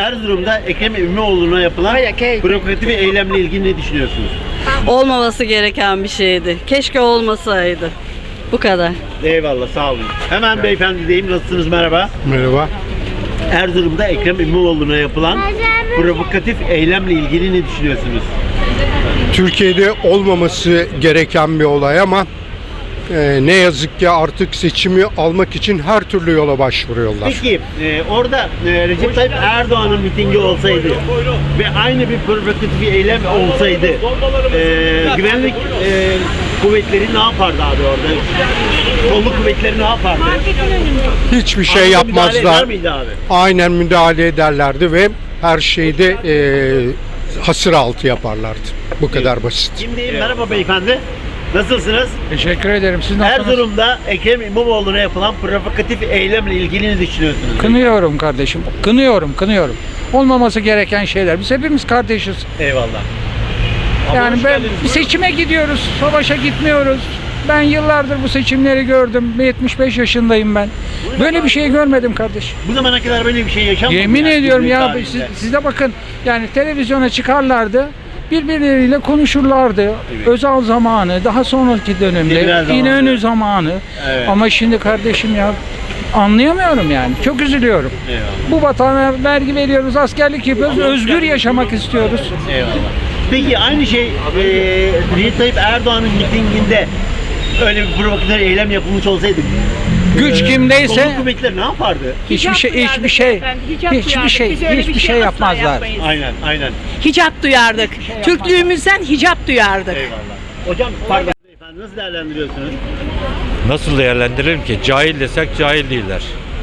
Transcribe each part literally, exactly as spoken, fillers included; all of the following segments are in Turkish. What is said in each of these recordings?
Erzurum'da Ekrem İmamoğlu'na yapılan provokatif eylemle ilgili ne düşünüyorsunuz? Olmaması gereken bir şeydi. Keşke olmasaydı. Bu kadar. Eyvallah, sağ olun. Hemen beyefendi diyeyim, nasılsınız, merhaba. Merhaba. Erzurum'da Ekrem İmamoğlu'na yapılan provokatif eylemle ilgili ne düşünüyorsunuz? Türkiye'de olmaması gereken bir olay ama e, ne yazık ki artık seçimi almak için her türlü yola başvuruyorlar. Peki e, orada e, Recep Tayyip Erdoğan'ın mitingi olsaydı ve aynı bir provokatif bir eylem olsaydı e, güvenlik e, kuvvetleri ne yapardı abi orada? Kolluk kuvvetleri ne yapardı? Hiçbir şey Anında müdahale eder yapmazlar. miydi abi? Aynen müdahale ederlerdi ve her şeyi de e, hasır altı yaparlardı. Bu kadar basit. Kim diyeyim? Merhaba beyefendi. Nasılsınız? Teşekkür ederim. Siz nasılsınız? Erzurum'da Ekrem İmamoğlu'na yapılan provokatif eylemle ilgili ne düşünüyorsunuz? Kınıyorum kardeşim. Kınıyorum, kınıyorum. Olmaması gereken şeyler. Biz hepimiz kardeşiz. Eyvallah. Ama Yani hoş ben geldiniz. bir seçime gidiyoruz, savaşa gitmiyoruz. Ben yıllardır bu seçimleri gördüm. yetmiş beş yaşındayım ben. Böyle bir şey görmedim kardeş. Bu zamana kadar böyle bir şey yaşanmadı. Yemin yani ediyorum ya, Cumhuriyet siz, tarihinde. siz de bakın, yani televizyona çıkarlardı. Birbirleriyle konuşurlardı. Evet. Özal zamanı, daha sonraki dönemde Demirel zamanı. İnönü zamanı. Evet. Ama şimdi kardeşim ya, anlayamıyorum yani. Çok üzülüyorum. Eyvallah. Bu vatana vergi veriyoruz, askerlik yapıyoruz, özgür yaşamak istiyoruz. Eyvallah. Peki aynı şey e, Recep Tayyip Erdoğan'ın mitinginde öyle bir provokatif eylem yapılmış olsaydı Güç e, kimdeyse kolluk kuvvetleri ne yapardı? hiçbir şey, hiçbir şey, hiçbir şey, hiçbir şey yapmazlar. Aynen, aynen. Hicap duyardık. Türklüğümüzden hicap duyardık. Eyvallah. Hocam pardon beyefendi, nasıl değerlendiriyorsunuz? Nasıl değerlendiririm ki? Cahil desek cahil değiller.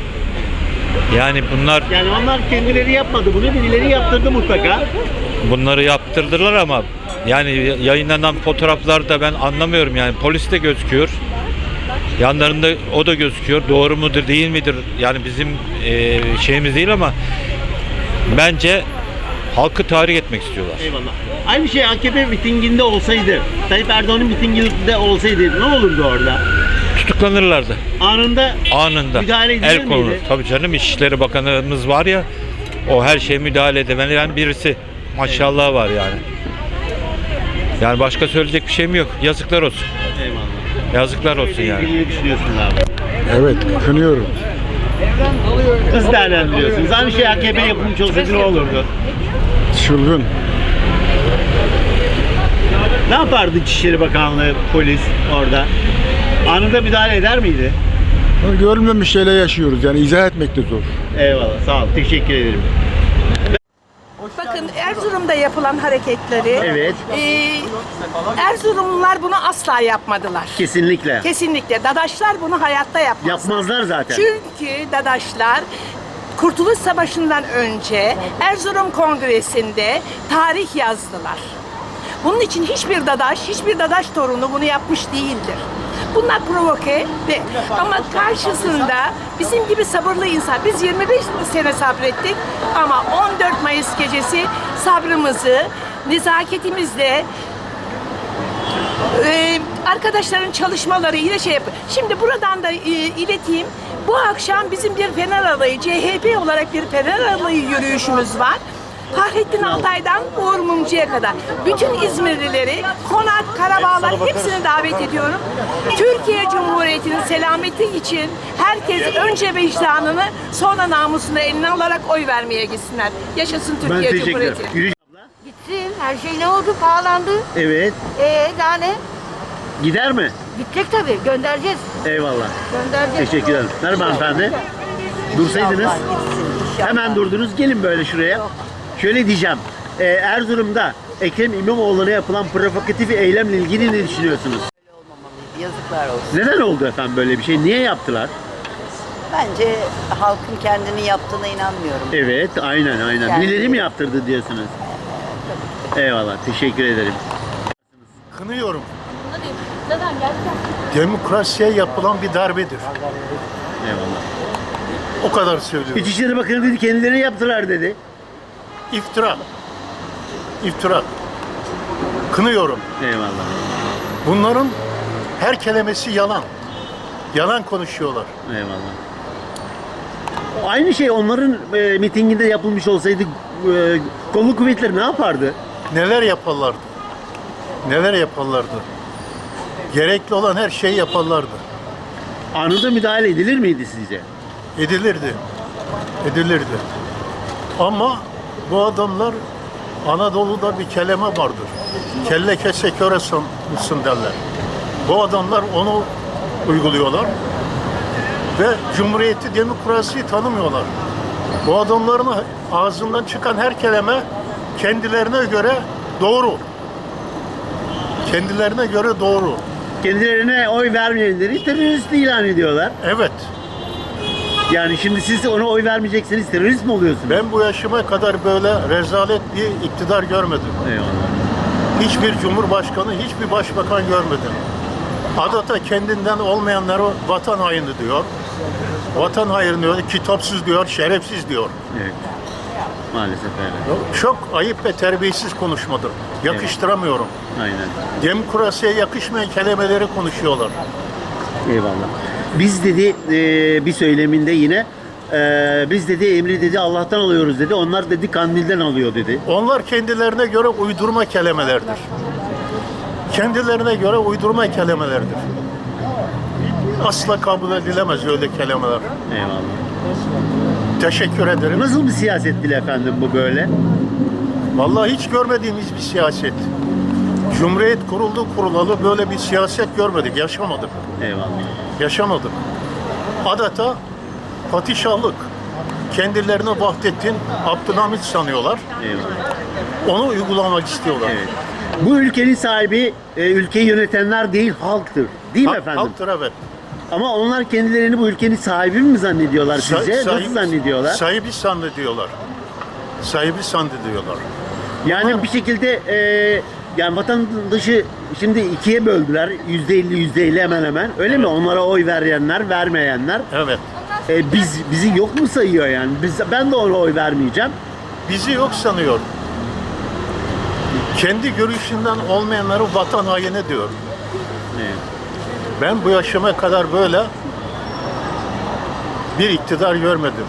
Yani bunlar Yani onlar kendileri yapmadı, bunu birileri yaptırdı mutlaka. bunları yaptırdılar ama yani yayınlanan fotoğraflarda ben anlamıyorum yani, polis de gözüküyor. Yanlarında o da gözüküyor. Doğru mudur değil midir? Yani bizim e, şeyimiz değil ama bence halkı tahrik etmek istiyorlar. Eyvallah. Aynı şey A K P mitinginde olsaydı, Tayyip Erdoğan'ın mitinginde olsaydı ne olurdu orada? Tutuklanırlardı. Anında Anında. müdahale edilir El konulur. miydi? Tabii canım, İçişleri Bakanımız var ya, o her şeye müdahale edebilen birisi. Maşallah var yani. Yani başka söyleyecek bir şeyim yok. Yazıklar olsun. Eyvallah. Yazıklar olsun Böyle yani. ilgili ne düşünüyorsunuz abi? Evet, kınıyorum. Nasıl değerlendiriyorsunuz? Aynı şey A K P yapılmış olsaydı ne olurdu? Çılgın. Ne yapardı İçişleri Bakanlığı, polis orada? Anında müdahale eder miydi? Görülmemiş şeyler yaşıyoruz, yani izah etmek de zor. Eyvallah, sağ ol. Teşekkür ederim. Bakın Erzurum'da yapılan hareketleri Evet. e, Erzurumlular bunu asla yapmadılar. Kesinlikle. Kesinlikle. Dadaşlar bunu hayatta yapmaz. Yapmazlar zaten. Çünkü Dadaşlar Kurtuluş Savaşı'ndan önce Erzurum Kongresi'nde tarih yazdılar. Bunun için hiçbir Dadaş, hiçbir Dadaş torunu bunu yapmış değildir. Bunlar provoke ve ama karşısında bizim gibi sabırlı insan, biz yirmi beş sene sabrettik ama on dört Mayıs gecesi sabrımızı, nezaketimizle Ee, arkadaşların çalışmalarıyla şey yapıyor. Şimdi buradan da e, ileteyim. Bu akşam bizim bir Fener Alayı, C H P olarak bir Fener Alayı yürüyüşümüz var. Fahrettin Altay'dan Uğur Mumcu'ya kadar. Bütün İzmirlileri, Konak, Karabağlar hepsini davet ediyorum. Türkiye Cumhuriyeti'nin selameti için herkes önce vicdanını sonra namusunu eline alarak oy vermeye gitsinler. Yaşasın Ben Türkiye teşekkür ederim. Cumhuriyeti. Yürüyüş- Gitsin. Her şey ne oldu? Pahalandı. Evet. Ee daha ne? Gider mi? Gidecek tabii. Göndereceğiz. Eyvallah. Göndereceğiz. Teşekkür ederim. Merhaba hanımefendi. Dursaydınız. Hemen durdunuz. Gelin böyle şuraya. Şöyle diyeceğim. Ee, Erzurum'da Ekrem İmamoğlu'na yapılan provokatif eylemle ilgili ne düşünüyorsunuz? Yazıklar olsun. Neden oldu efendim böyle bir şey? Niye yaptılar? Bence halkın kendini yaptığına inanmıyorum. Evet, aynen aynen. Yani- Birileri mi yaptırdı diyorsunuz? Eyvallah. Teşekkür ederim. Kınıyorum. Demokrasiye yapılan bir darbedir. Eyvallah. O kadar söylüyorum. İçişleri Bakanı dedi kendileri yaptılar dedi. İftira. İftira. Kınıyorum. Eyvallah. Bunların her kelimesi yalan. Yalan konuşuyorlar. Eyvallah. Aynı şey onların e, mitinginde yapılmış olsaydı e, kolluk kuvvetleri ne yapardı? Neler yaparlardı? Neler yaparlardı? Gerekli olan her şeyi yaparlardı. Anında müdahale edilir miydi sizce? Edilirdi. Edilirdi. Ama bu adamlar, Anadolu'da bir kelime vardır. Kelle kese köre mısın derler. Bu adamlar onu uyguluyorlar. Ve Cumhuriyeti, demokrasiyi tanımıyorlar. Bu adamların ağzından çıkan her kelime kendilerine göre doğru. Kendilerine göre doğru. Kendilerine oy vermeyenleri terörist ilan ediyorlar. Evet. Yani şimdi siz ona oy vermeyecekseniz terörist mi oluyorsunuz? Ben bu yaşıma kadar böyle rezalet bir iktidar görmedim. Eyvallah. Hiçbir cumhurbaşkanı, hiçbir başbakan görmedim. Adeta kendinden olmayanlara vatan haini diyor. Vatan haini diyor, kitapsız diyor, şerefsiz diyor. Evet. Maalesef öyle. Çok ayıp ve terbiyesiz konuşmadır. Yakıştıramıyorum. Aynen. Demokrasiye yakışmayan kelimeleri konuşuyorlar. Eyvallah. Biz dedi e, bir söyleminde yine e, biz dedi emri dedi Allah'tan alıyoruz dedi. Onlar dedi kandilden alıyor dedi. Onlar kendilerine göre uydurma kelimelerdir. Kendilerine göre uydurma kelimelerdir. Asla kabul edilemez öyle kelimeler. Eyvallah. Teşekkür ederim. Nasıl bir siyaset dili efendim bu böyle? Vallahi hiç görmediğimiz bir siyaset. Cumhuriyet kuruldu kurulalı böyle bir siyaset görmedik, yaşamadık. Eyvallah. Yaşamadık. Adeta padişahlık. Kendilerini Vahdettin Abdülhamit sanıyorlar. Eyvallah. Onu uygulamak istiyorlar. Evet. Bu ülkenin sahibi e, ülkeyi yönetenler değil halktır. Değil mi Ha- efendim? Halktır evet. Ama onlar kendilerini bu ülkenin sahibi mi zannediyorlar Sa- sizce? sahibi- Nasıl zannediyorlar? Sahibi zannediyorlar. Sahibi zannediyorlar. Yani bir şekilde e, yani vatandaşı şimdi ikiye böldüler. Yüzde elli, yüzde elli hemen hemen. Öyle mi? Onlara oy verenler, vermeyenler. Evet. E, biz bizi yok mu sayıyor yani? Biz, ben de ona oy vermeyeceğim. Bizi yok sanıyor. Kendi görüşünden olmayanları vatan haini diyor. Evet. Ben bu yaşıma kadar böyle bir iktidar görmedim.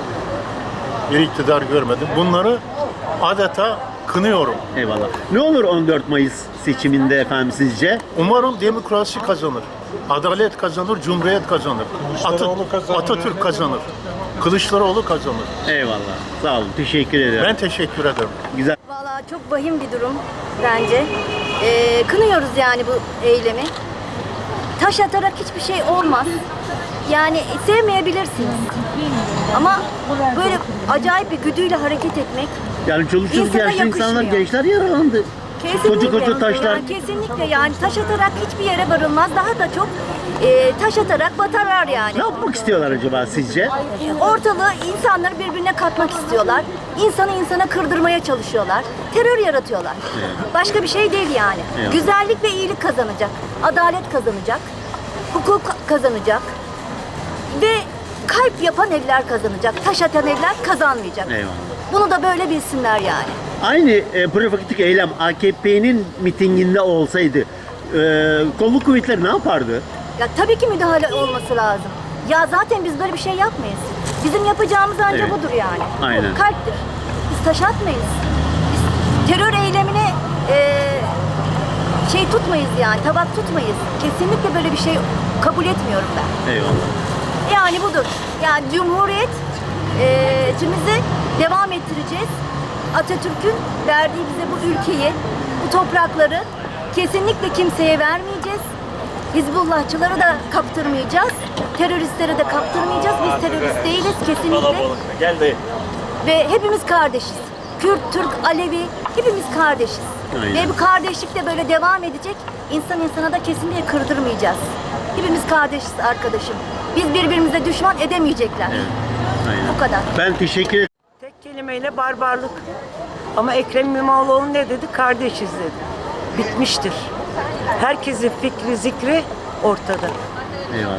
Bir iktidar görmedim. Bunları adeta kınıyorum. Eyvallah. Ne olur on dört Mayıs seçiminde efendim sizce? Umarım demokrasi kazanır. Adalet kazanır, Cumhuriyet kazanır. Ata- Atatürk kazanır. Kılıçdaroğlu kazanır. Eyvallah. Sağ olun. Teşekkür ederim. Ben teşekkür ederim. Güzel. Vallahi çok vahim bir durum bence. Ee, kınıyoruz yani bu eylemi. Taş atarak hiçbir şey olmaz. Yani sevmeyebilirsiniz. Ama böyle acayip bir güdüyle hareket etmek Yani çoluk çocuk İnsana yaşlı insanlar, yakışmıyor. gençler yaralandı. kesinlikle, Koca koca taşlar. yani kesinlikle yani taş atarak hiçbir yere varılmaz. Daha da çok e, taş atarak batarlar yani. Ne yapmak istiyorlar acaba sizce? Ortalığı insanları birbirine katmak istiyorlar. İnsanı insana kırdırmaya çalışıyorlar. Terör yaratıyorlar. Başka bir şey değil yani. Evet. Güzellik ve iyilik kazanacak. Adalet kazanacak. Hukuk kazanacak. Ve kalp yapan eller kazanacak. Taş atan eller kazanmayacak. Eyvallah. Bunu da böyle bilsinler yani. Aynı e, provokatif eylem A K P'nin mitinginde olsaydı e, kolluk kuvvetleri ne yapardı? Ya tabii ki müdahale olması lazım. Ya zaten biz böyle bir şey yapmayız. Bizim yapacağımız ancak Evet. budur yani. Aynen. Bu kalptir. Biz taş atmayız. Biz terör eylemine e, şey tutmayız yani, tabak tutmayız. Kesinlikle böyle bir şey kabul etmiyorum ben. Eyvallah. Yani budur. Yani Cumhuriyet e, içimizi devam ettireceğiz. Atatürk'ün verdiği bize bu ülkeyi, bu toprakları kesinlikle kimseye vermeyeceğiz. Hizbullahçıları da kaptırmayacağız. Teröristlere de kaptırmayacağız. Biz terörist değiliz kesinlikle. Geldi. Ve hepimiz kardeşiz. Kürt, Türk, Alevi hepimiz kardeşiz. Aynen. Ve bu kardeşlik de böyle devam edecek. İnsan insana da kesinlikle kırdırmayacağız. Hepimiz kardeşiz arkadaşım. Biz birbirimize düşman edemeyecekler. Aynen. Bu kadar. Ben teşekkür ederim. Tek kelimeyle barbarlık. Ama Ekrem İmamoğlu ne dedi? Kardeşiz dedi. Bitmiştir. Herkesin fikri, zikri ortada. Eyvallah.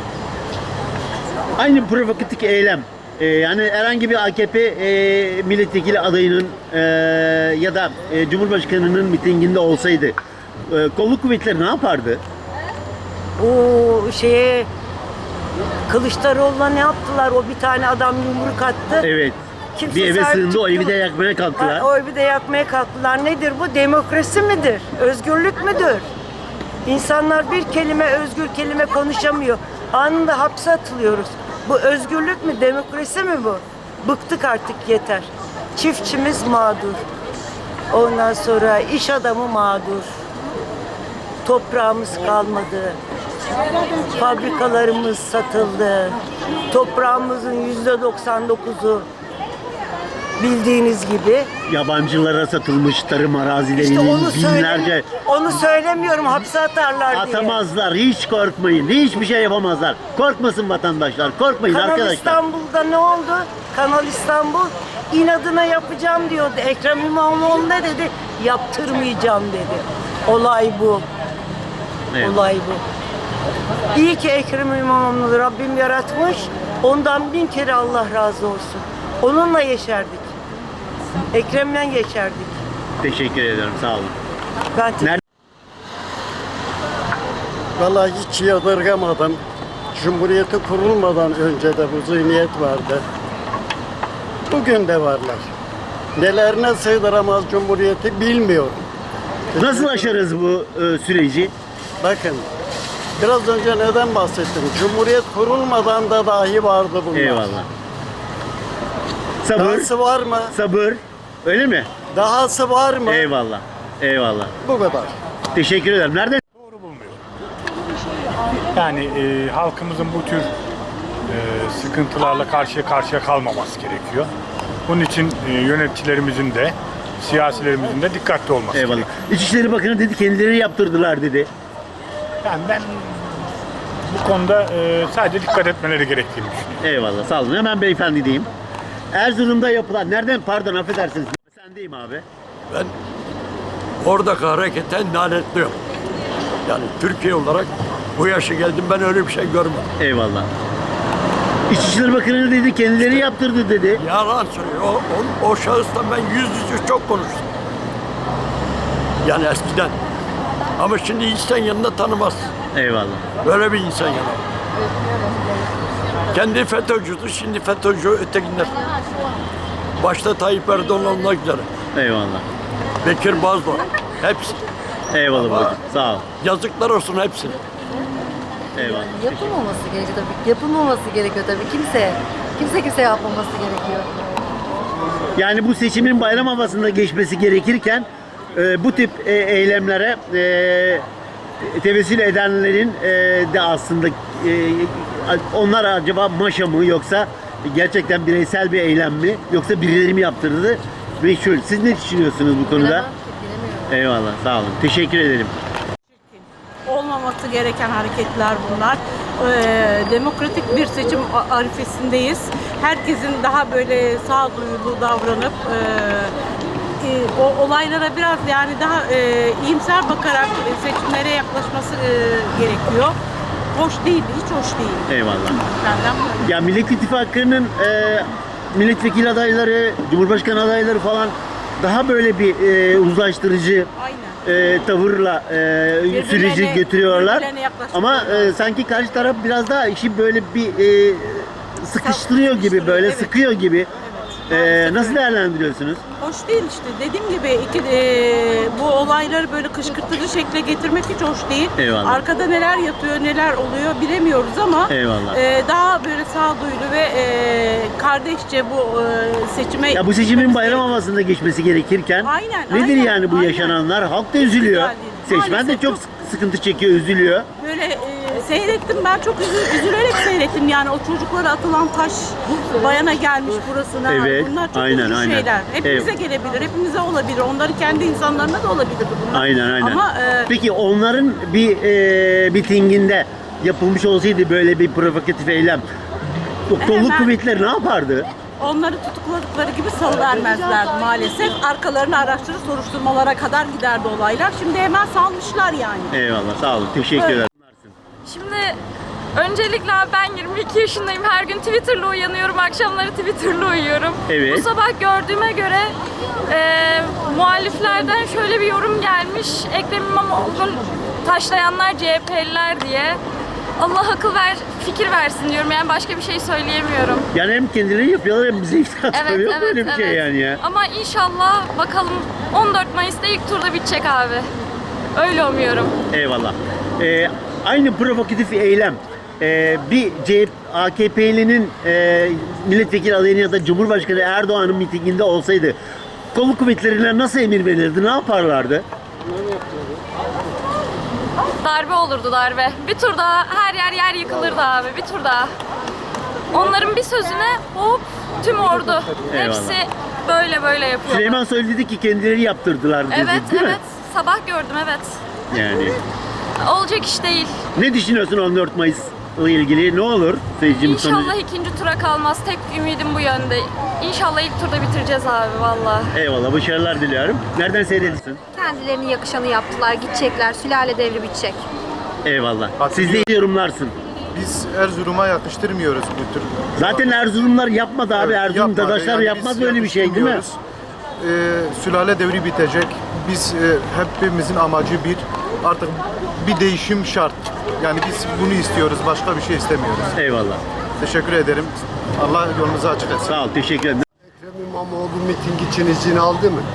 Aynı provokatif eylem. Ee, yani herhangi bir A K P e, milletvekili adayının e, ya da e, Cumhurbaşkanı'nın mitinginde olsaydı e, kolluk kuvvetleri ne yapardı? O şeye Kılıçdaroğlu'na ne yaptılar? O bir tane adam yumruk attı. Evet. Kimse bir eve sahip sığındı, o çıktı evi de mı? yakmaya kalktılar. Ha, o evi de yakmaya kalktılar. Nedir bu? Demokrasi midir? Özgürlük müdür? İnsanlar bir kelime, özgür kelime konuşamıyor. Anında hapse atılıyoruz. Bu özgürlük mü? Demokrasi mi bu? Bıktık artık, yeter. Çiftçimiz mağdur. Ondan sonra iş adamı mağdur. Toprağımız kalmadı. Fabrikalarımız satıldı. Toprağımızın yüzde doksan dokuzu bildiğiniz gibi. Yabancılara satılmış tarım İşte arazilerinin onu binlerce... söyle, onu söylemiyorum, hapse atarlar diye. Atamazlar, hiç korkmayın. Hiçbir şey yapamazlar. Korkmasın vatandaşlar, korkmayın Kanal arkadaşlar. İstanbul'da ne oldu? Kanal İstanbul inadına yapacağım diyordu. Ekrem İmamoğlu ne dedi? Yaptırmayacağım dedi. Olay bu. Evet. Olay bu. İyi ki Ekrem İmamoğlu'nu Rabbim yaratmış. Ondan bin kere Allah razı olsun. Onunla yeşerdik. Ekrem'le yeşerdik. Teşekkür ederim, sağ olun. Ben Nerede? Vallahi hiç yadırgamadım. Cumhuriyeti kurulmadan önce de bu zihniyet vardı. Bugün de varlar. Nelerine sığdıramaz Cumhuriyeti bilmiyorum. Nasıl aşarız bu e, süreci? Bakın, biraz önce neden bahsettim? Cumhuriyet kurulmadan da dahi vardı bunlar. Eyvallah. Sabır, Dahası var mı? sabır. Öyle mi? Dahası var mı? Eyvallah. Eyvallah. Bu kadar. Teşekkür ederim. Nerede? Yani e, halkımızın bu tür e, sıkıntılarla karşıya karşıya kalmaması gerekiyor. Bunun için e, yöneticilerimizin de, siyasilerimizin de dikkatli olması Eyvallah. gerekiyor. İçişleri Bakanı dedi, kendileri yaptırdılar dedi. Yani ben bu konuda e, sadece dikkat etmeleri gerektiğini düşünüyorum. Eyvallah, sağ olun. Hemen beyefendi diyeyim. Erzurum'da yapılan, nereden pardon affedersiniz. Sendeyim abi. Ben oradaki hareketten lanetliyorum. Yani Türkiye olarak bu yaşa geldim, ben öyle bir şey görmedim. Eyvallah. İçişleri Bakanı dedi, kendileri yaptırdı dedi. Yalan söylüyor. O, o, o şahısla ben yüz yüze çok konuştum. Yani eskiden. Ama şimdi insan yanında tanımaz. Eyvallah. Böyle bir insan yanında. Kendi FETÖ'cüdür, şimdi FETÖ'cü ötekiler. Başta Tayyip Erdoğan olmak üzere. Eyvallah. Bekir Bozdağ, hepsi. Eyvallah babacığım, sağ ol. Yazıklar olsun hepsine. Eyvallah. Yapılmaması gerekiyor tabii. Yapılmaması gerekiyor tabii. Kimse, kimse kimse yapmaması gerekiyor. Yani bu seçimin bayram havasında geçmesi gerekirken e, bu tip e, eylemlere e, tevessül edenlerin e, de aslında e, onlar acaba maşa mı yoksa gerçekten bireysel bir eylem mi yoksa birileri mi yaptırdı? Meşhur. Siz ne düşünüyorsunuz bu konuda? Bilemem, bilemiyorum. Eyvallah, sağ olun. Teşekkür ederim. Olmaması gereken hareketler bunlar. Ee, demokratik bir seçim arifesindeyiz. Herkesin daha böyle sağduyulu davranıp e, e, o olaylara biraz yani daha e, iyimser bakarak seçimlere yaklaşması e, gerekiyor. Hoş değil, hiç hoş değil. Eyvallah. Benden bu. Ya Millet İttifakı'nın e, milletvekili adayları, cumhurbaşkanı adayları falan daha böyle bir e, uzlaştırıcı e, tavırla e, süreci götürüyorlar. Ama e, sanki karşı taraf biraz daha işi böyle bir e, sıkıştırıyor gibi, böyle Evet. sıkıyor gibi. E, nasıl değerlendiriyorsunuz? Hoş değil işte. Dediğim gibi iki, e, bu olayları böyle kışkırtıcı şekle getirmek hiç hoş değil. Eyvallah. Arkada neler yatıyor, neler oluyor bilemiyoruz ama Eyvallah. e, daha böyle sağduyulu ve e, kardeşçe bu e, seçime... Ya bu seçimin bayram havasında geçmesi gerekirken Aynen, nedir aynen, yani bu aynen. yaşananlar? Halk da üzülüyor. Güzel değil. Seçmen de Maalesef çok çok- sıkıntı çekiyor, üzülüyor. Böyle e, seyrettim ben çok üzü- üzülerek seyrettim yani o çocuklara atılan taş bayana gelmiş burasına. Evet, Bunlar çok aynen, üzücü aynen. şeyler. Hepimize Evet. gelebilir, hepimize olabilir. Onların kendi insanlarına da olabilir bunlar. Aynen aynen. Ama e, Peki onların bir e, mitinginde yapılmış olsaydı böyle bir provokatif eylem, o kolluk Hemen- kuvvetleri ne yapardı? onları tutukladıkları gibi salıvermezlerdi maalesef. Arkalarına araçları soruşturmalara kadar giderdi olaylar. Şimdi hemen salmışlar yani. Eyvallah, sağ olun. Teşekkür Evet. ederim. Şimdi öncelikle abi ben yirmi iki yaşındayım. Her gün Twitter'la uyanıyorum. Akşamları Twitter'la uyuyorum. Evet. Bu sabah gördüğüme göre e, muhaliflerden şöyle bir yorum gelmiş. Ekrem İmamoğlu'nu taşlayanlar C H P'liler diye. Allah akıl ver, fikir versin diyorum. Yani başka bir şey söyleyemiyorum. Yani hem kendileri yapıyorlar hem bize iftira Evet, atıyor. Yok evet, böyle bir şey evet. yani ya. Ama inşallah bakalım on dört Mayıs'ta ilk turda bitecek abi. Öyle umuyorum. Eyvallah. Ee, aynı provokatif eylem e, bir C H P, A K P'linin e, milletvekili adayının ya da Cumhurbaşkanı Erdoğan'ın mitinginde olsaydı kolluk kuvvetlerine nasıl emir verirdi? Ne yaparlardı? Darbe olurdu darbe. Bir tur daha her yer yer yıkılırdı abi. Bir tur daha. Onların bir sözüne hop tüm ordu. Eyvallah. Hepsi böyle böyle yapıyor. Süleyman Soylu dedi ki kendileri yaptırdılar dedi, Evet değil evet. mi? Sabah gördüm evet. Yani Olacak iş değil. ne düşünüyorsun on dört Mayıs'la ilgili? Ne olur seçim sonu? İnşallah ikinci tura kalmaz. Tek ümidim bu yönde. İnşallah ilk turda bitireceğiz abi valla. Eyvallah, başarılar diliyorum. Nereden seyrediyorsun? Kendilerine yakışanı yaptılar, gidecekler. Sülale devri bitecek. Eyvallah. Siz de yorumlarsın. Biz Erzurum'a yakıştırmıyoruz bu tür. Zaten Erzurumlar yapmadı abi. Evet, Erzurum yapmadı. dadaşlar Yani yapmaz biz böyle bir şey değil mi? yakıştırmıyoruz. Ee, sülale devri bitecek. Biz e, hepimizin amacı bir. Artık bir değişim şart. Yani biz bunu istiyoruz. Başka bir şey istemiyoruz. Eyvallah. Teşekkür ederim. Allah yolunuzu açık etsin. Sağ ol. Teşekkür ederim. Ekrem İmamoğlu miting için izin aldı mı?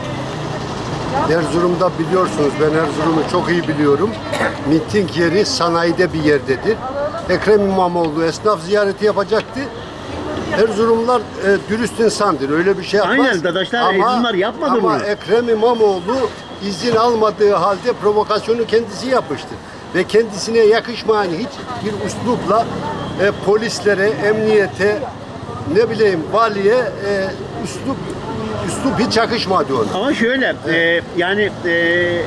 Erzurum'da biliyorsunuz, ben Erzurum'u çok iyi biliyorum. Miting yeri sanayide bir yerdedir. Ekrem İmamoğlu esnaf ziyareti yapacaktı. Erzurumlar e, dürüst insandır, öyle bir şey yapmaz. Aynen, dadaşlar, Erzurumlar yapmadı ama bunu. Ama Ekrem İmamoğlu izin almadığı halde provokasyonu kendisi yapmıştır. Ve kendisine yakışmayan hiçbir üslupla e, polislere, emniyete, ne bileyim valiye e, üslup üslup hiç yakışmadı ona. Ama şöyle e, yani e,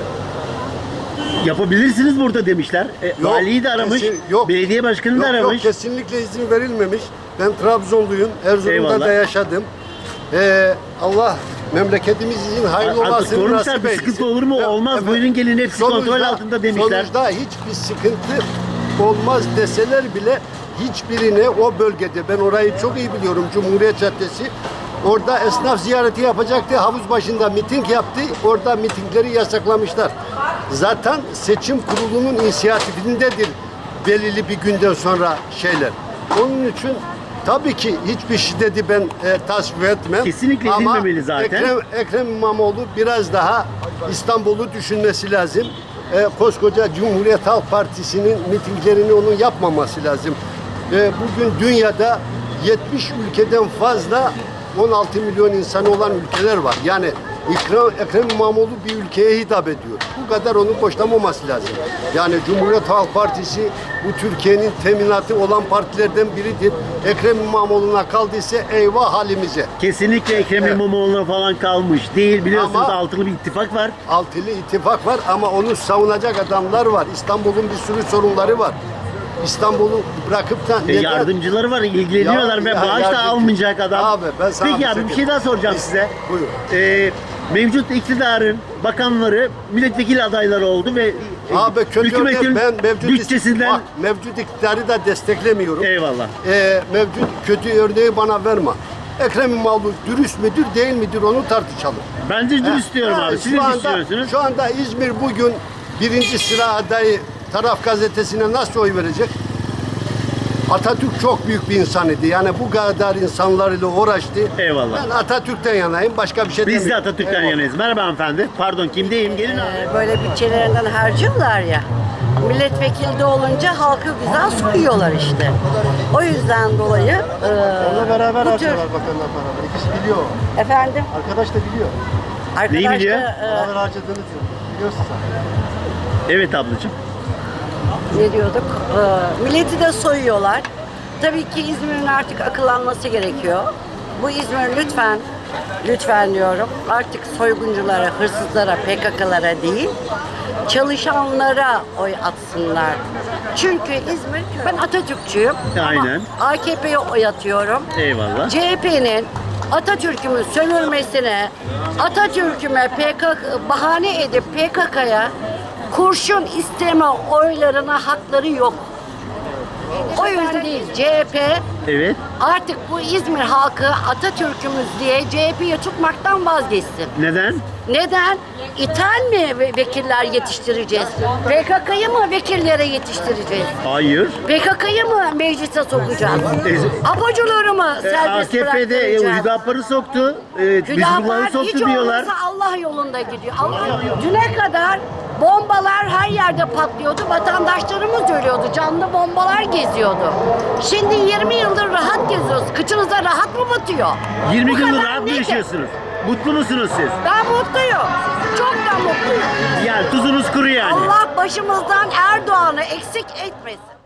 yapabilirsiniz burada demişler. E, Yok, valiyi de aramış, kesin- yok. belediye başkanını Yok, da aramış. Yok, kesinlikle izin verilmemiş. Ben Trabzonluyum, Erzurum'da Eyvallah. da yaşadım. Ee, Allah memleketimiz için hayırlı Artık olmasını sormuşlar, nasip bir eylesin. sıkıntı olur mu? Olmaz, buyurun gelin, hepsi kontrol altında demişler. Sonuçta hiçbir sıkıntı olmaz deseler bile hiçbirine o bölgede, ben orayı çok iyi biliyorum, Cumhuriyet Caddesi, orada esnaf ziyareti yapacaktı, havuz başında miting yaptı, orada mitingleri yasaklamışlar. Zaten seçim kurulunun inisiyatifindedir belirli bir günden sonra şeyler. Onun için tabii ki hiçbir şiddeti ben e, tasvip etmem. Kesinlikle Ama edilmemeli zaten. Ekrem, Ekrem İmamoğlu biraz daha İstanbul'u düşünmesi lazım. E, koskoca Cumhuriyet Halk Partisi'nin mitinglerini onun yapmaması lazım. E, bugün dünyada yetmiş ülkeden fazla on altı milyon insanı olan ülkeler var. Yani Ekrem, Ekrem İmamoğlu bir ülkeye hitap ediyor. Bu kadar onu boşlamaması lazım. Yani Cumhuriyet Halk Partisi bu Türkiye'nin teminatı olan partilerden biridir. Ekrem İmamoğlu'na kaldıysa eyvah halimize. Kesinlikle Ekrem Evet. İmamoğlu'na falan kalmış değil. Biliyorsunuz Ama- altılı bir ittifak var. Altılı ittifak var ama onu savunacak adamlar var. İstanbul'un bir sürü sorunları var. İstanbul'u bırakıp da E, neden- yardımcıları var, ilgileniyorlar Ya- ve ya bağış da yardımcı- almayacak adam. Abi, ben sana Peki bir abi şey bir şey diyeyim. daha soracağım Biz- size. Buyur. E, mevcut iktidarın bakanları milletvekili adayları oldu ve e, Abi kötü hükümetin örnek, ben mevcut bütçesinden bak, mevcut iktidarı da desteklemiyorum. Eyvallah. Ee, mevcut kötü örneği bana verme. Ekrem İmamoğlu dürüst müdür değil midir onu tartışalım. Bence dürüst diyorum Ha, abi. Siz ne şu anda, düşünüyorsunuz? Şu anda İzmir bugün birinci sıra adayı Taraf Gazetesi'ne nasıl oy verecek? Atatürk çok büyük bir insan idi. Yani bu kadar insanlarla uğraştı. Eyvallah. Ben Atatürk'ten yanayım. Başka bir şey Biz de demiyorum. Atatürk'ten Eyvallah. yanayız. Merhaba hanımefendi. Pardon, kimdeyim? Gelin abi. Ee, böyle bütçelerinden harcıyorlar ya. Milletvekili olunca halkı güzel soyuyorlar işte. O yüzden dolayı e, Onunla beraber bu tür... harcıyorlar bakanlar beraber. İkisi biliyor. Efendim? Arkadaş da biliyor. Arkadaş Neyi biliyor? da, e, Beraber harcadığını diyor. Biliyorsun sen. Evet ablacığım. ne diyorduk? Ee, milleti de soyuyorlar. Tabii ki İzmir'in artık akıllanması gerekiyor. Bu İzmir lütfen, lütfen diyorum, artık soygunculara, hırsızlara, P K K'lara değil, çalışanlara oy atsınlar. Çünkü İzmir, ben Atatürkçüyüm. Aynen. Ama A K P'ye oy atıyorum. Eyvallah. C H P'nin Atatürk'ümü sömürmesine, Atatürk'üme P K K bahane edip P K K'ya kurşun isteme oylarına hakları yok. O yüzden değil. C H P Evet. artık bu İzmir halkı Atatürk'ümüz diye C H P'ye tutmaktan vazgeçsin. Neden? Neden? İthal mi ve- vekiller yetiştireceğiz? P K K'yı mı vekillere yetiştireceğiz? Hayır. P K K'yı mı meclise sokacağız? E, Apocuları mı E, serbest A K P'de e, bıraktıracağız? Hüdapar'ı soktu. E, Hizbullah'ı hiç soktu diyorlar. olmazsa Allah yolunda gidiyor. Allah düne kadar bombalar her yerde patlıyordu. Vatandaşlarımız ölüyordu. Canlı bombalar geziyordu. Şimdi yirmi yıldır rahat geziyoruz. Kıçınıza rahat mı batıyor? yirmi Bu yıldır kadar rahat mı nedir? yaşıyorsunuz? Mutlu musunuz siz? Ben mutluyum. Çok da mutluyum. Yani tuzunuz kuru yani. Allah başımızdan Erdoğan'ı eksik etmesin.